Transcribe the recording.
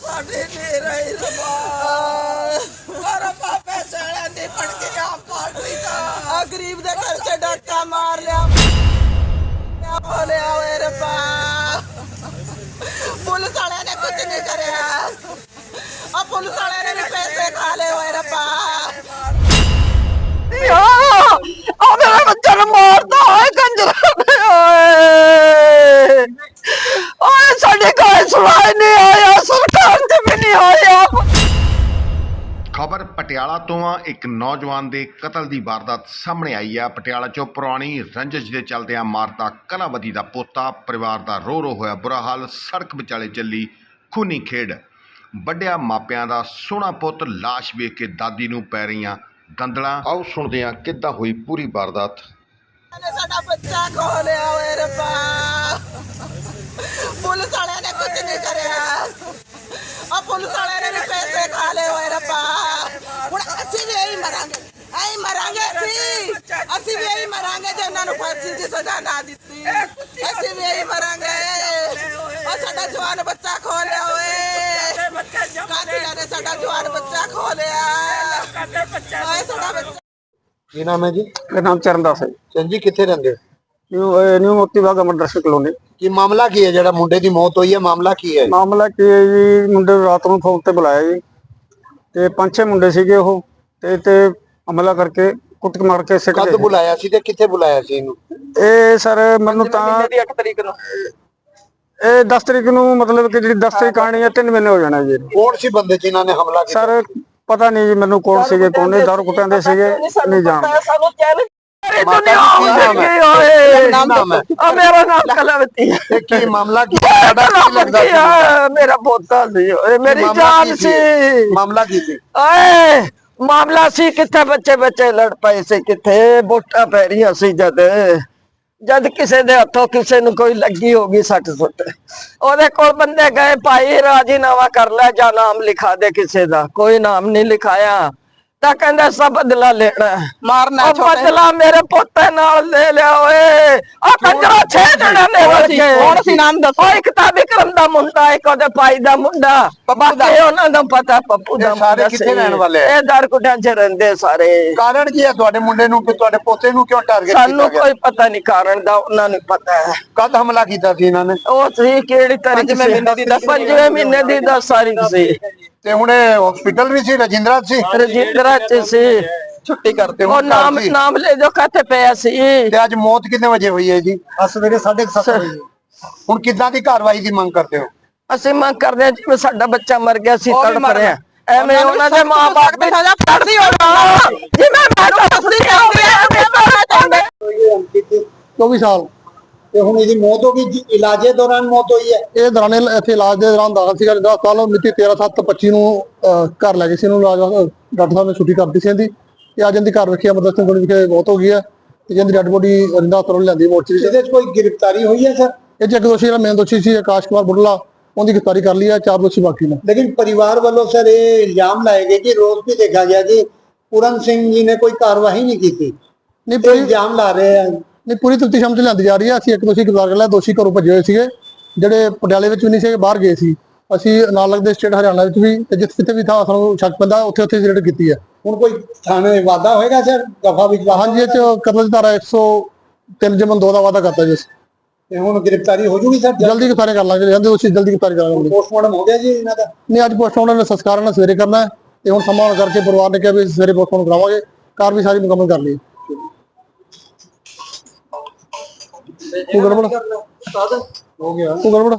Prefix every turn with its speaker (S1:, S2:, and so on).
S1: साढ़े ले रहे पैसे नहीं पड़ गया पार्टी का गरीब दे घर से डॉक्टर मार लिया बोले ओए रब्बा पुलिस वाले ने कुछ नहीं करया अब पुलिस वाले ने भी पैसे खा ले ओए रब्बा मेरे बच्चे ने मारता है कंजर साढ़े कोई सुनाई नहीं आया सरकार से भी नहीं आया।
S2: खबर पटियाला तो एक नौजवान के कतल की वारदात सामने आई है। पटियाला चो पुरानी रंजिश के चलदे मारता कलावती का पोता परिवार का रो रो होया बुरा हाल। सड़क विचाले चली खूनी खेड वड्डिया मापियां दा सोहना पुत लाश वेख के दादी नूं पै रहीआं दंदलां। आओ सुणदे हां किद्दां होई पूरी वारदात।
S1: साडा बच्चा खो लिया ओए रब्बा पुलिस वाले ने कुछ नहीं करया अब पुलिस वाले ने भी पैसे खा ले ओए रब्बा हुण असीं भी यही मरांगे असीं भी यही मरांगे जे उन्हां नूं फांसी दी सज़ा ना दित्ती असीं भी यही मरांगे। और साडा जवान बच्चा खो लिया ओए कातिलां ने साडा जवान बच्चा खो लिया ओए साडा बच्चा।
S3: ਕੀ ਨਾਮ ਹੈ ਜੀ?
S4: ਮੇਰਾ ਨਾਮ ਚਰਨਦਾਸ ਹੈ
S3: ਚੰਦ ਜੀ ਕਿੱਥੇ ਰਹਿੰਦੇ ਹੋ?
S4: ਨਿਊ ਮੋਤੀ ਬਾਗ ਅਮਰਦਰਸ਼ਨ ਕਲੋਨੀ।
S3: ਕੀ ਮਾਮਲਾ ਕੀ ਹੈ ਜਿਹੜਾ ਮੁੰਡੇ ਦੀ ਮੌਤ ਹੋਈ ਹੈ? ਮਾਮਲਾ ਕੀ ਹੈ?
S4: ਮਾਮਲਾ ਕੀ ਹੈ ਜੀ, ਮੁੰਡੇ ਨੂੰ ਰਾਤ ਨੂੰ ਫੋਨ ਤੇ ਬੁਲਾਇਆ ਜੀ ਤੇ 5-6 ਮੁੰਡੇ ਸੀਗੇ ਉਹ ਤੇ ਹਮਲਾ ਕਰਕੇ ਕੁੱਟ ਮਾਰ ਕੇ ਸਿੱਟ
S3: ਕਦ ਬੁਲਾਇਆ ਸੀ ਤੇ ਕਿੱਥੇ ਬੁਲਾਇਆ ਸੀ ਇਹਨੂੰ?
S4: ਇਹ ਸਰ ਮੈਨੂੰ ਤਾਂ
S1: 8 ਤਰੀਕ ਨੂੰ
S4: ਇਹ 10 ਤਰੀਕ ਨੂੰ ਮਤਲਬ ਕਿ ਜਿਹੜੀ 10 ਤਰੀਕ ਆਣੀ ਹੈ 3 ਮਹੀਨੇ ਹੋ ਜਾਣਾ ਜੀ।
S3: ਕੌਣ ਸੀ ਬੰਦੇ ਜਿਨ੍ਹਾਂ ਨੇ ਹਮਲਾ ਕੀਤਾ?
S4: ਸਰ ਪਤਾ ਨਹੀਂ ਜੀ ਮੈਨੂੰ ਕੌਣ ਸੀਗੇ ਕੌਣ ਨਹੀਂ, ਦਾਰੂ ਕੁੱਟਾਂ ਦੇ ਸੀਗੇ ਨਹੀਂ ਜਾਣਦਾ।
S1: ਸਾਨੂੰ ਚੈਨ
S4: ਮੇਰਾ ਨਾਮ ਕਲਾਵਤੀ
S3: ਇਹ ਕੀ ਮਾਮਲਾ ਕੀ ਤੁਹਾਡਾ ਕੀ ਲੱਗਦਾ ਸੀ?
S4: ਮੇਰਾ ਪੋਤਾ ਸੀ, ਮੇਰੀ ਜਾਨ ਸੀ।
S3: ਮਾਮਲਾ ਕੀ ਸੀ?
S4: ਓਏ ਮਾਮਲਾ ਸੀ ਕਿੱਥੇ ਬੱਚੇ ਲੜ ਪਏ ਸੀ, ਕਿੱਥੇ ਵੋਟਾਂ ਪੈ ਰਹੀਆਂ ਸੀ ਜਦ ਕਿਸੇ ਦੇ ਹੱਥੋਂ ਕਿਸੇ ਨੂੰ ਕੋਈ ਲੱਗੀ ਹੋਗੀ ਸੱਟ ਸੁੱਟ ਉਹਦੇ ਕੋਲ ਬੰਦੇ ਗਏ ਭਾਈ ਰਾਜੀਨਾਮਾ ਕਰ ਲੈ ਜਾਂ ਨਾਮ ਲਿਖਾ ਦੇ ਕਿਸੇ ਦਾ, ਕੋਈ ਨਾਮ ਨਹੀਂ ਲਿਖਾਇਆ ਤਾਂ ਕਹਿੰਦਾ ਸਭ ਬਦਲਾ ਲੈਣਾ
S1: ਮਾਰਨਾ
S4: ਬਦਲਾ ਮੇਰੇ ਪੋਤੇ ਨਾਲ ਲੈ ਲਿਆ ਓਏ ਆ ਕੰਜਰਾ 6 ਜਣਾਂ ਨੇ
S1: ਕੌਣ ਸੀ ਨਾਮ ਦੱਸੋ?
S4: ਓਏ ਇੱਕ ਤਾਂ ਵਿਕਰਮ ਦਾ ਮੁੰਡਾ, ਇੱਕ ਉਹਦੇ ਭਾਈ ਦਾ ਮੁੰਡਾ, ਬਾਕੀ ਉਹਨਾਂ ਦਾ ਪਤਾ ਪੱਪੂ ਦਾ
S3: ਸਾਰੇ ਕਿੱਥੇ ਰਹਿਣ ਵਾਲੇ ਆ?
S4: ਇਹ ਦਾਰਕੁਟਾਂ 'ਚ ਰਹਿੰਦੇ ਸਾਰੇ।
S3: ਕਾਰਨ ਕੀ ਹੈ ਤੁਹਾਡੇ ਮੁੰਡੇ ਨੂੰ ਕਿ ਤੁਹਾਡੇ ਪੋਤੇ ਨੂੰ ਕਿਉਂ ਟਾਰਗੇਟ ਕੀਤਾ
S4: ਸਾਨੂੰ
S3: ਗਿਆ?
S4: ਕੋਈ ਪਤਾ ਨਹੀਂ ਕਾਰਨ ਦਾ, ਉਹਨਾਂ ਨੂੰ ਪਤਾ ਹੈ।
S3: ਕਦ ਹਮਲਾ ਕੀਤਾ ਸੀ ਇਹਨਾਂ ਨੇ?
S4: ਉਹ ਸੀ ਕਿਹੜੀ ਤਾਰੀਖ ਸੀ? 5ਵੇਂ ਮਹੀਨੇ ਦੀ 10 ਤਾਰੀਖ ਸੀ
S3: ਤੇ ਹੁਣ ਹਸਪੀਟਲ ਵੀ ਸੀ ਰਜਿੰਦਰਾ ਸੀ?
S4: ਰਜਿੰਦਰਾ 'ਚ ਸੀ।
S3: ਛੁੱਟੀ ਕਰਤੇ
S4: ਉਹ ਨਾਮ ਲੈ ਜੋ ਕਾਤੇ ਪਿਆ ਸੀ।
S3: ਤੇ ਅੱਜ ਮੌਤ ਕਿੰਨੇ ਵਜੇ ਹੋਈ ਹੈ ਜੀ? ਸਵੇਰੇ 7:30 ਵਜੇ। ਹੁਣ ਕਿੱਦਾਂ ਦੀ ਕਾਰਵਾਈ ਦੀ ਮੰਗ ਕਰਦੇ ਹੋ?
S4: ਅਸੀਂ ਮੰਗ ਕਰਦੇ ਹਾਂ ਜਿਵੇਂ ਸਾਡਾ ਬੱਚਾ ਮਰ ਗਿਆ ਸੀ ਤੜਪ ਰਿਹਾ ਐਵੇਂ ਉਹਨਾਂ ਦੇ ਮਾਂ-ਬਾਪ ਦੀ ਸਜ਼ਾ ਫਾਂਸੀ ਹੋਣਾ ਜਿਵੇਂ ਮੈਂ ਫਾਂਸੀ ਚਾਹੁੰਦੇ
S3: 24 ਸਾਲ ਤੇ ਹੁਣ ਇਹਦੀ ਮੌਤ ਹੋ ਗਈ। ਇਲਾਜੇ ਦੌਰਾਨ ਮੌਤ ਹੋਈ ਹੈ? ਇਹ ਦੌਰਾਨ ਇੱਥੇ ਇਲਾਜ ਦੇ ਦੌਰਾਨ ਦਾਖਲ ਸੀਗਾ। 10 ਸਾਲ ਮਿਤੀ 13/7/25 ਨੂੰ ਘਰ ਲੈ ਗਏ ਸੀ ਇਹਨੂੰ। ਡਾਕਟਰ ਸਾਹਿਬ ਨੇ ਛੁੱਟੀ ਕਰਤੀ ਸੀ ਇਹਦੀ ਤੇ ਅੱਜ ਇਹਦੀ ਘਰ ਵੇਖਿਆ ਅਮਰਦਰਸ਼ਨ ਕੋਲ ਵਿਖੇ ਮੌਤ ਹੋ ਗਈ ਹੈ ਤੇ ਜਿਹਦੀ ਡੈਡ ਬੋਡੀ ਰਿੰਦਾ ਹਸਪਤਾਲ ਲਿਆਂਦੀ ਮੋਰਚਰੀ। ਇਹਦੇ ਵਿੱਚ ਕੋਈ ਗ੍ਰਿਫਤਾਰੀ ਹੋਈ ਹੈ ਸਰ? ਇਹ 'ਚ ਇੱਕ ਦੋਸ਼ੀ ਜਿਹੜਾ ਮੇਨ ਦੋਸ਼ੀ ਸੀ ਆਕਾਸ਼ ਕੁਮਾਰ ਬੁੱਢਲਾ, ਉਹਦੀ ਗ੍ਰਿਫਤਾਰੀ ਕਰ ਲਈ ਹੈ। 4 ਦੋਸ਼ੀ ਬਾਕੀ ਨੇ। लेकिन परिवार वालों सर ये इल्जाम लाए गए कि रोज भी देखा गया कि पूरन सिंह जी ने कोई कार्रवाई नहीं की थी। नहीं पूरी इल्जाम ला रहे हैं। नहीं पूरी तफ्तीश हम लिਆਂਦੀ ਜਾ ਰਹੀ ਹੈ। ਅਸੀਂ ਇੱਕ ਦੋਸ਼ੀ ਗ੍ਰਿਫਤਾਰ ਕਰ ਲਿਆ। ਦੋਸ਼ੀ ਘਰੋਂ ਭੱਜੇ ਹੋਏ ਸੀਗੇ ਜਿਹੜੇ ਪਟਿਆਲੇ ਵਿੱਚ ਵੀ ਨਹੀਂ ਸੀ, ਬਾਹਰ ਗਏ ਸੀ। ਅਸੀਂ ਨਾਲ ਲੱਗਦੇ ਸਟੇਟ ਹਰਿਆਣਾ ਵਿੱਚ ਵੀ ਤੇ ਜਿੱਥੇ ਵੀ ਥਾਂ ਸਾਨੂੰ ਸ਼ੱਕ ਪੈਂਦਾ ਉੱਥੇ ਰੇਡ ਕੀਤੀ ਹੈ। ਹੁਣ ਕੋਈ ਥਾਣੇ ਵਾਅਦਾ ਹੋਏਗਾ ਸਰ ਦਫਾ ਵਿੱਚ? ਹਾਂਜੀ, ਇਹ 'ਚ ਕਤਲ ਦੀ ਧਾਰਾ 103/2 ਦਾ ਵਾਅਦਾ ਕਰਤਾ ਜੀ। ਤੇ ਹੁਣ ਗ੍ਰਿਫਤਾਰੀ ਹੋ ਜੂਗੀ ਸਰ? ਜਲਦੀ ਗ੍ਰਿਫਤਾਰੀ ਕਰ ਲਾਂਗੇ, ਜਾਂਦੇ ਦੋਸ਼ੀ ਜਲਦੀ ਗ੍ਰਿਫਤਾਰੀ ਕਰਾਂਗੇ। ਪੋਸਟਮਾਰਟਮ ਹੋ ਗਿਆ ਜੀ ਇਹਨਾਂ ਦਾ? ਨਹੀਂ, ਅੱਜ ਪੋਸਟਮਾਰਟਮ ਦਾ ਸੰਸਕਾਰ ਨਾਲ ਸਵੇਰੇ ਕਰਨਾ ਹੈ ਤੇ ਹੁਣ ਸਮਾਂ ਕਰਕੇ ਪਰਿਵਾਰ ਨੇ ਕਿਹਾ ਵੀ ਸਵੇਰੇ ਪੋਸਟਮਾਰਟਮ ਕਰਾਵਾਂਗੇ। ਕਾਰ ਵੀ ਸਾਰੀ ਮੁਕੰਮਲ ਕਰ ਲਈ। ਹੋ ਗਿਆ।